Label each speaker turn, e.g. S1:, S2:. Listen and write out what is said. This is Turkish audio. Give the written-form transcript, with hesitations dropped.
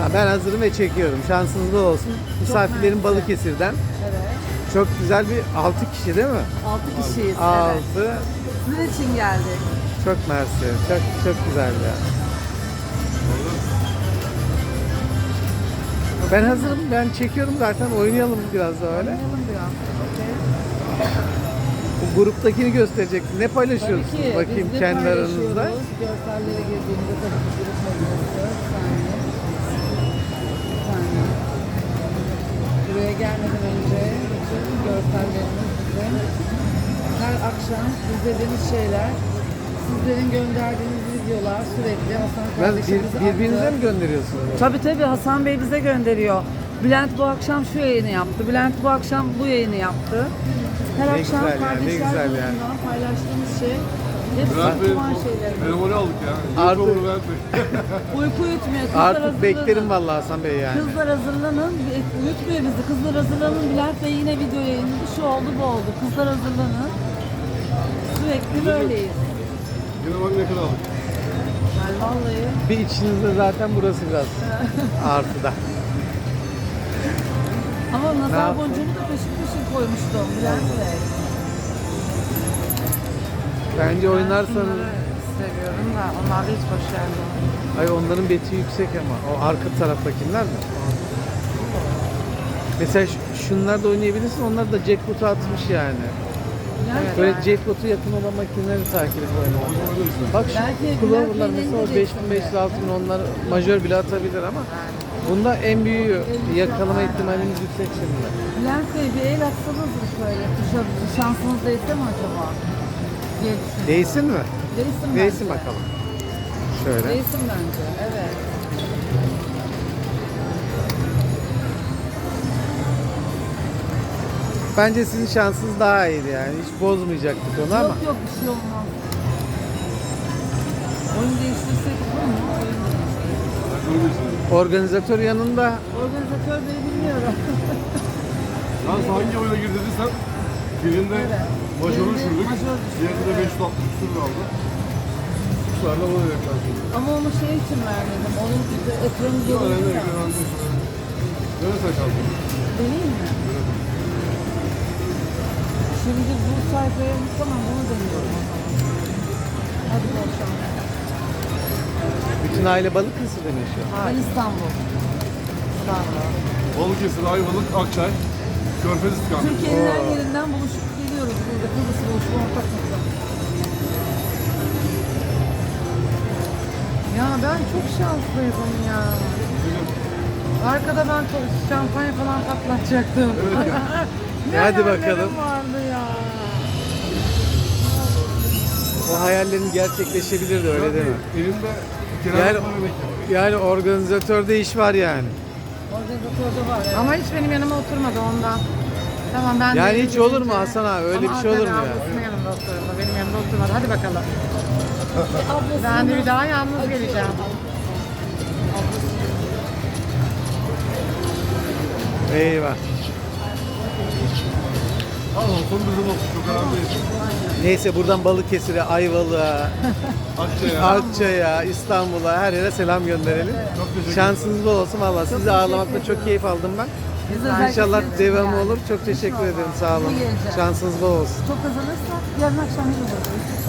S1: Ha, ben hazırım ve çekiyorum. Şansınız bol olsun. Misafirlerim
S2: mersi.
S1: Balıkesir'den.
S2: Evet.
S1: Çok güzel bir 6 kişi değil mi?
S2: 6 kişiyiz.
S1: 6.
S2: Evet. Sizin için geldik.
S1: Çok mersi. Çok güzel ya. Ben hazırım. Ben çekiyorum zaten. Oynayalım biraz da öyle.
S2: Oynayalım biraz. Okey.
S1: Bu gruptakini gösterecektim. Ne paylaşıyorsunuz
S2: Tabii ki.
S1: bakayım
S2: biz de
S1: kendi aranızda?
S2: paylaşıyoruz. Görsellere girdiğimizde tabii ki grup medyası. Bir saniye. Buraya gelmeden önce bütün görsellerimiz bizim. Her akşam izlediğimiz şeyler, sizlerin gönderdiğiniz videolar sürekli Hasan
S1: Ben
S2: kardeşimiz
S1: birbirinize
S2: attı.
S1: mi gönderiyorsunuz?
S2: Tabii Hasan Bey bize gönderiyor. Bülent bu akşam şu yayını yaptı. Bülent bu akşam bu yayını yaptı. Her
S1: Ne
S2: akşam
S1: güzel ya, ne
S2: kardeşler
S1: güzel yani.
S2: grubundan paylaştığımız şey hep
S3: Bülent Bey,
S2: saçma şeyler.
S3: telefonu aldık ya.
S1: Artık-
S3: Artık. Bülent Bey.
S2: Uyku uyutmuyor. Kızlar
S1: Artık
S2: hazırlanın.
S1: beklerim vallahi Hasan Bey yani.
S2: Kızlar hazırlanın. Uyutmuyor bizi. Kızlar hazırlanın. Bülent Bey yine video yayınladı. Şu oldu bu oldu. Kızlar hazırlanın. Sürekli böyleyiz.
S3: Yine bak ne kadar aldık.
S2: Yani vallahi.
S1: Bir içinizde zaten burası biraz artıda.
S2: Ama
S1: Ne
S2: nazar
S1: yaptın?
S2: boncuğunu da peşin koymuştum Bülent Bey.
S1: Bence oynarsanız...
S2: Seviyorum da onlar da hiç başarılı.
S1: Ay onların beti yüksek ama. O arka taraftakiler mi? Mesela şunlar da oynayabilirsin. Onlar da jackpot'u atmış yani.
S2: Evet.
S1: Böyle jackpot'u yakın olan makineleri takip et oynamak. Bak
S2: Belki
S1: şu Clover'lar
S2: Bülent
S1: mesela o
S2: Bey'in
S1: 5500 6000 onlar majör bile atabilir ama bunda en büyüğü yakalama ihtimalimiz yüksek şimdi.
S2: Bülent Bey bir el atsanız mı şöyle? Şansınız değse mi acaba? Diye düşünüyorum.
S1: Değsin mi?
S2: Değsin bence.
S1: Değsin bakalım. Şöyle.
S2: Değsin bence, evet.
S1: Bence sizin şansınız daha iyiydi yani. Hiç bozmayacaktık onu ama.
S2: Yok bir şey olmaz. Oyun değiştirsek olur mu? Oyun değiştirsek.
S1: Organizatör yanında
S2: Organizatör Bey'i bilmiyorum.
S3: Yalnız hangi oyuna gir dediysen birinde
S2: Evet.
S3: majörü
S2: Birinde
S3: düşürdük.
S2: majör düşürdük,
S3: Diğerinde de
S2: evet.
S3: 560 küsur kaldı. Şu anda bunu yaklaştık.
S2: Ama onu şey için vermedim. Onun ekranı
S3: Şu an
S2: görüntü
S3: evde
S2: ya.
S3: ekranı. Neresi kaldın?
S2: Deneyim mi? Şimdi bu sayfaya tamam bunu deniyorum. Hadi bol şans.
S1: bütün aile Balıkesir'de mi yaşıyor?
S2: Ben İstanbul. İstanbul.
S3: Balıkesir, Ayvalık, Akçay, Körfez istikameti.
S2: Türkiye'nin her yerinden buluşup geliyoruz burada. Kıbrıs buluşma ortak nokta.
S4: Ya ben çok şanslıydım ya. Arkada ben şampanya falan patlatacaktım. Ne
S1: Hadi
S4: hayallerim
S1: bakalım.
S4: vardı ya.
S1: O hayallerin gerçekleşebilirdi öyle değil mi?
S3: Elimde
S1: Yani,
S3: kiralık para bekliyor.
S1: yani organizatörde iş var yani.
S2: Organizatörde var. Evet.
S4: Ama hiç benim yanıma oturmadı ondan. Tamam ben
S1: Yani
S4: de
S1: hiç olur mu Hasan abi? Öyle
S4: Ama
S1: bir şey olur mu
S4: tabii
S1: ya?
S4: ablasının yanında oturdu. Benim yanımda oturmadı. Hadi bakalım.
S2: Ablasının
S4: Ben de bir daha yalnız geleceğim.
S1: Eyvah.
S3: Al olsun bizim olsun. Çok önemli değil.
S1: Neyse buradan Balıkesir'e, Ayvalık'a,
S3: Akçay'a.
S1: Akçay'a, İstanbul'a her yere selam gönderelim.
S3: Çok teşekkür ederim.
S1: Şansınız bol olsun valla. Sizi ağırlamakta çok keyif aldım ben.
S2: Biz özellikle
S1: İnşallah
S2: sizin için
S1: devamı
S2: geldik.
S1: olur. Çok teşekkür
S2: İnşallah.
S1: ederim. Sağ olun.
S2: İyi geleceğiz.
S1: Şansınız bol olsun.
S2: Çok kazanırsak yarın akşam yine buradayız.